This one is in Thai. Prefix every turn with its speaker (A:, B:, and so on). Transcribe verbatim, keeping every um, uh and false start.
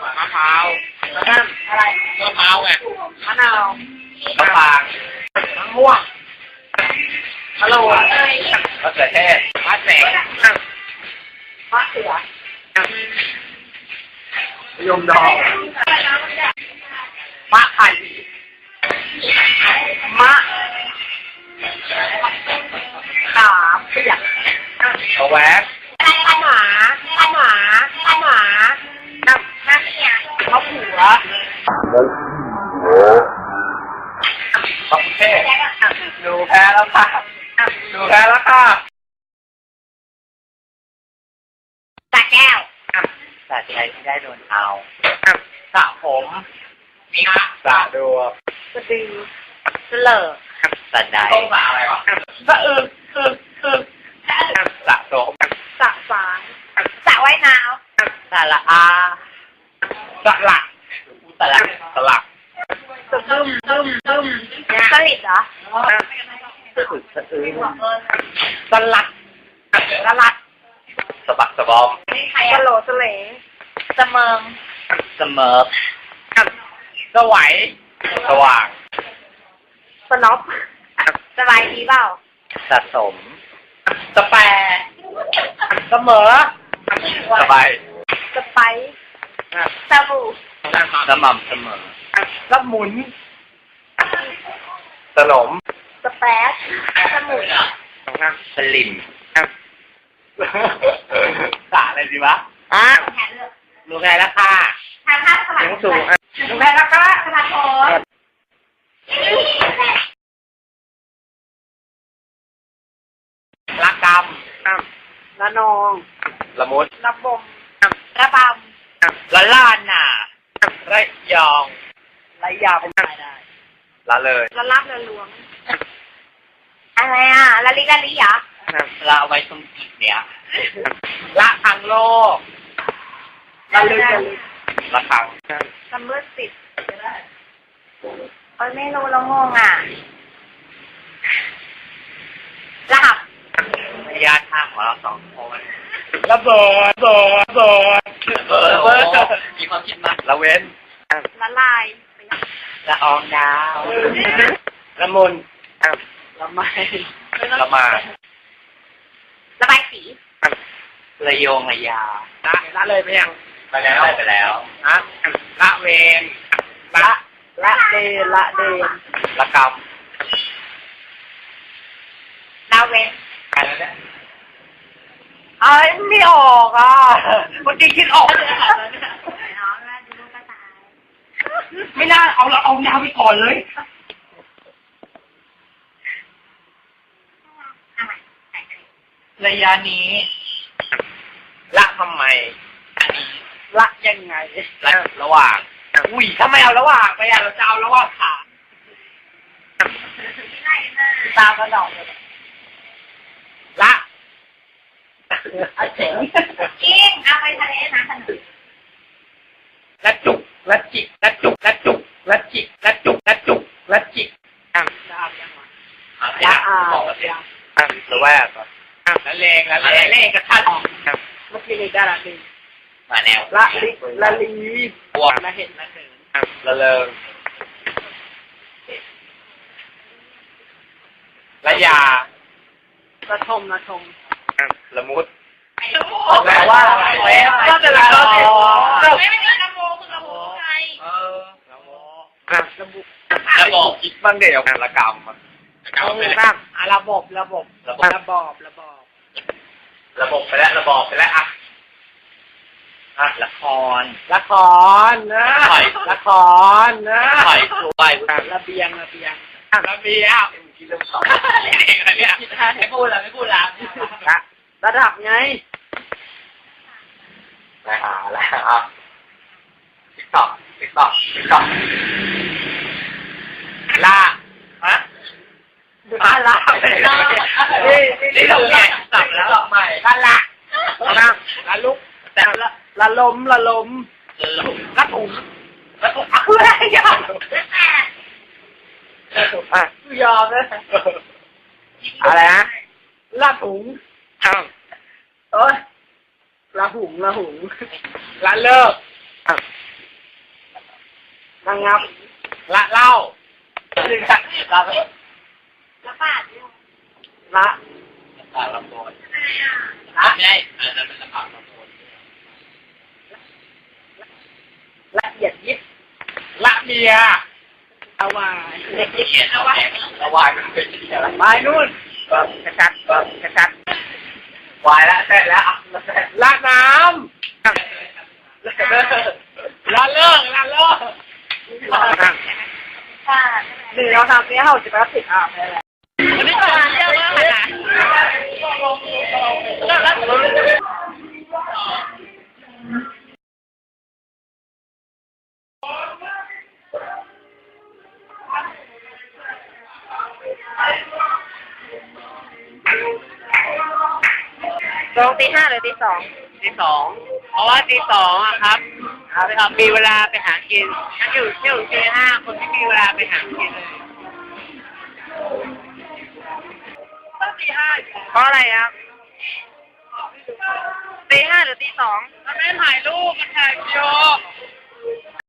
A: มะพร้าว
B: อะไร
A: มะพร้าวไง
B: มะนาว
A: มะปราง
B: มะม่วงมะโรย
A: มะเขือเทศมะแสง
B: มะเขือ
A: มะยมดอง
B: มะไข่มะขามเปียก
A: มะแวก
B: มะหมาหมะหมาหมาน้ำน้ำเนี่ยมะผัว
A: มะเทศหนูแพ้แล้วค่ะหนูแพ้แล้วค่ะ
B: ตาแก้ว
A: สาใจที่ได้โดนเอาสระผมมีฮะสระดู
B: สะดือสเลอ
A: สระใดต้องสระอะไรวะ
B: สะอึกอึกอึก
A: สระโสม
B: สระสางสระว่ายน้
A: ำสระอาสระหลักสระสลัก
B: สะบึมบึมบึมสลิดเหรอ
A: สะอึกสะอื้นสลัด
B: สลัด
A: สะบักสะบอม
B: สโลสเลสเมิง
A: เสมอสวัยสว่าง
B: สน็อปสบายดีเปล่า
A: สะสมสแปรเสมอสบาย
B: สไปสบู่
A: สม่ำเสมอสมุนสนม
B: สแปซสมุน
A: สลิมสาอะไรดีวะอ่ะลูกแพ้แล้วค่ะ
B: ทางภาคสมัคร
A: สูง
B: ลูกแพ้แล้วค่ะสมัครโอน
A: ละกำ
B: ละนอง
A: ละมุด
B: ละบมระบำ
A: ละล้านน่ะระยอง
B: ระยาเป็นไงได้
A: ละเลย
B: ละลับละหลวงอะไรอ่ะละลิละลิเหรอ
A: ละไว้ตรงจิตเนี่ยละทางโลก
B: ละลึก
A: ละครั้ง
B: ละมืดติดเอ้ยไม่รู้ละงงอ่ะละหับ
A: ระยะทางของเราสองคนระเบิดระเบิดระเบิดระเบิดมีความคิดมากละเว้น
B: ละลาย
A: ละอองดาวละมุน
B: ละไม
A: ละมา
B: ละบายสี
A: ละโยงละยาละละเลยไปยังไปแล้วไปแล้วฮะละเวน
B: ละละเดละเดน
A: ละกรรม
B: ละเวน
A: ไปแล้วเนี่ย
B: เอ้ยไม่ออกอ่ะเมื่อกี้คิดออก
A: ไม่น่าเอาเราเอายาวไปก่อนเลยระยะนี้ละทำไมอันนี้
B: ละยังไง
A: ละระหว่างอุ้ยทำไมเอาระหว่างไปอ่ะเราจะเอาระหว่างขา
B: ตากระดอก
A: ละ
B: เอาเจ๋งจริงเอาไปทะเลนะขนม
A: ละจุกละจิกละจุกละจุกละจิกละจุกละจุกละจิกอ่ะ
B: จะเอายังไง
A: ละอ่าบอกแล้วอ่ะละแวกก่อนละเลงละเลงเลงกับท่าน
B: เมื่อกี้นี่ได้ละลี
A: มาแนว
B: ละลิละลี
A: บวก
B: ละเห็นละเหิน
A: ละเลิงละยา
B: ละทมละทม
A: ละมุด
B: แปลว่าก็จะละโมไม่ไม่ละโมคือละโมไง
A: เออละโมละบุละบอกคิดบ้างเดี๋ยวละกรรม
B: เอาบ้างอ่ะระบบระบบระบบระบบระบบ
A: ระบบไปแล้วระบบไปแล้วอ่ะอ่ะละคร
B: ละครนะละครนะ
A: ถอยตัวไ
B: ประเบียงระเบียง
A: ระเบียงกินเรื่องสองอะไรเนี่ยไม่พูดละไม่พูดละ
B: ระดับไง
A: ละอ่ะละอ่ะติ๊กต๊อกติ๊กต๊อกติ๊กต๊อกละฮะ
B: ละละ
A: นี่นี่เราใหม่สับแล้วใหม่ละละ
B: ละละลุกแต่ละละลมละลมละถุง
A: ละถุง
B: อะไรอย่างอ่ะยอมเลย
A: อะไรฮะ
B: ละถุง
A: อ้าว
B: เอ้ยละหุงละหุง
A: ละเลิก
B: ระงับละเล่าถึงละละ
C: ละบาท
B: ละ
A: ปากลำโพง
B: ละ
A: ใช่อันนั้นเป็นปากลำโพง
B: ละเอียดยิบละเมียละวาย
A: เขียนเอาไว้ระวายมันเป็นที่อะไร
B: ไปนู่นกระชัดกระชัด
A: วายแล้วเสร็จแล้ว
B: ละน้ำละเลิกละเลิก
C: ค่ะ
B: หนึ่งเราทำเนี้ยเขาจะไปรับผิดอ่ะวันนี้ก็มาเยอะมากนะลงตีห้าหรือตีสอง
A: ที่สองเพราะว่าที่สองอะครับครับมีเวลาไปหากินถ้าอยู่เที่ยวตีห้าคนที่มีเวลาไปหากินเลย
C: ต้องตีห้า
B: เพราะอะไรครับ
C: ตีห้าหรือตีสอง
B: ถ้าไม่ถ่ายรูปมันถ่ายวิดีโอ